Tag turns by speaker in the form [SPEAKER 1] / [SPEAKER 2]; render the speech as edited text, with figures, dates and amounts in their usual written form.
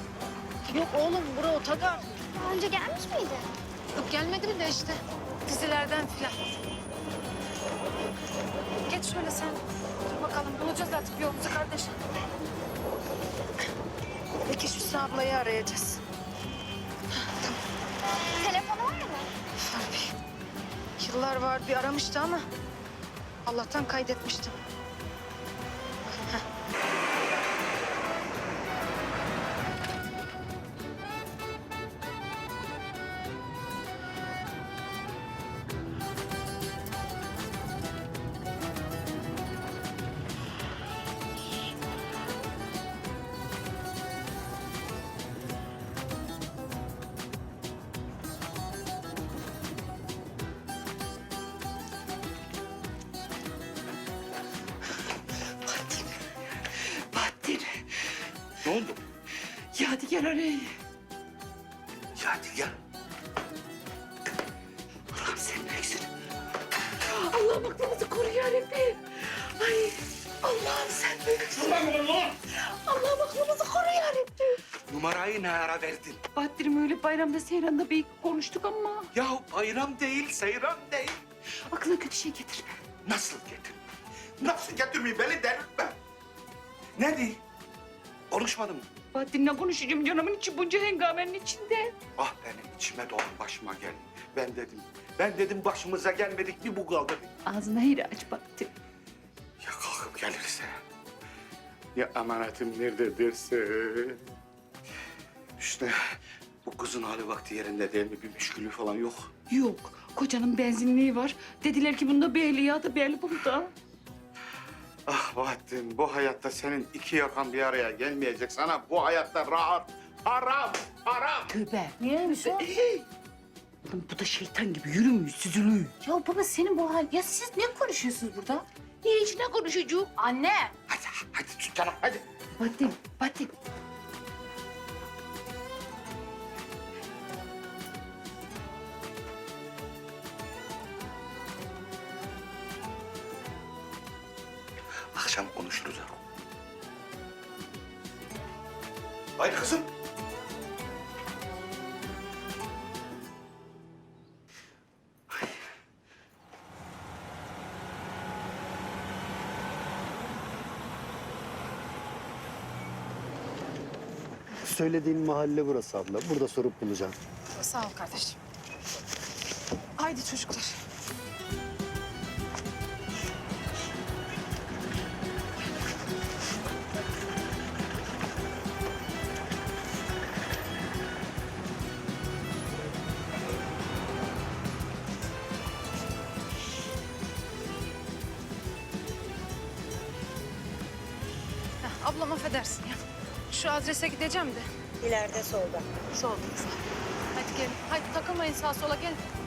[SPEAKER 1] Yok oğlum, bura otogar.
[SPEAKER 2] Daha önce gelmiş miydi?
[SPEAKER 1] Yok gelmedim de işte. Dizilerden filan. Geç şöyle sen. Dur bakalım, bulacağız artık yolumuzu kardeşim. Peki şu ablayı arayacağız.
[SPEAKER 2] Telefonu var mı?
[SPEAKER 1] Var bir. Yıllar var bir aramıştı ama Allah'tan kaydetmiştim.
[SPEAKER 3] Bahattin,
[SPEAKER 4] Ne oldu?
[SPEAKER 3] Yadigar arayı.
[SPEAKER 4] Yadigar.
[SPEAKER 3] Allah'ım sen büyüksün. Allah'ım aklımızı koru yarabbim. Ay Allah'ım sen büyüksün. Allah'ım aklımızı koru yarabbim.
[SPEAKER 4] Numarayı ne ara verdin?
[SPEAKER 3] Bahattin'im öyle bayramda seyranda bir konuştuk ama
[SPEAKER 4] Ya bayram değil, seyran değil.
[SPEAKER 3] aklına kötü şey getirme.
[SPEAKER 4] Nasıl getir? Nasıl getirmeyi beni delirtme. Ne di? Konuşmadım mı?
[SPEAKER 3] Bahattin'le konuşacağım canımın içi bunca hengamenin içinde.
[SPEAKER 4] Ah benim içime doğru başıma geldi. Ben dedim başımıza gelmedik bir bu kaldı.
[SPEAKER 3] Ağzına hayır aç Bahattin.
[SPEAKER 4] Ya kalkıp gelirse? Ya emanetim nerededirse? İşte bu kızın hali vakti yerinde değil mi? Bir müşkülü falan yok.
[SPEAKER 3] Yok, kocanın benzinliği var. Dediler ki bunda bir ehliyatı belli bunda.
[SPEAKER 4] Ah Bahattin, bu hayatta senin iki yakan bir araya gelmeyecek. Sana bu hayatta rahat, haram, haram.
[SPEAKER 3] Tövbe.
[SPEAKER 1] Niyeymiş o?
[SPEAKER 3] Oğlum bu da şeytan gibi yürümüyor, süzülüyor.
[SPEAKER 1] Ya baba senin bu hal... Ya siz ne konuşuyorsunuz burada?
[SPEAKER 3] Ne içine konuşucu?
[SPEAKER 1] Anne!
[SPEAKER 4] Hadi tut canım, hadi.
[SPEAKER 3] Bahattin.
[SPEAKER 4] Akşam konuşuruz ha. Haydi kızım.
[SPEAKER 5] Söylediğin mahalle burası abla. Burada sorup bulacağım.
[SPEAKER 1] Sağ ol kardeşim. Haydi çocuklar. Ablam affedersin ya. Şu adrese gideceğim de.
[SPEAKER 6] İleride solda.
[SPEAKER 1] Solda. Hadi gelin. Hadi takılmayın sağa sola gelin.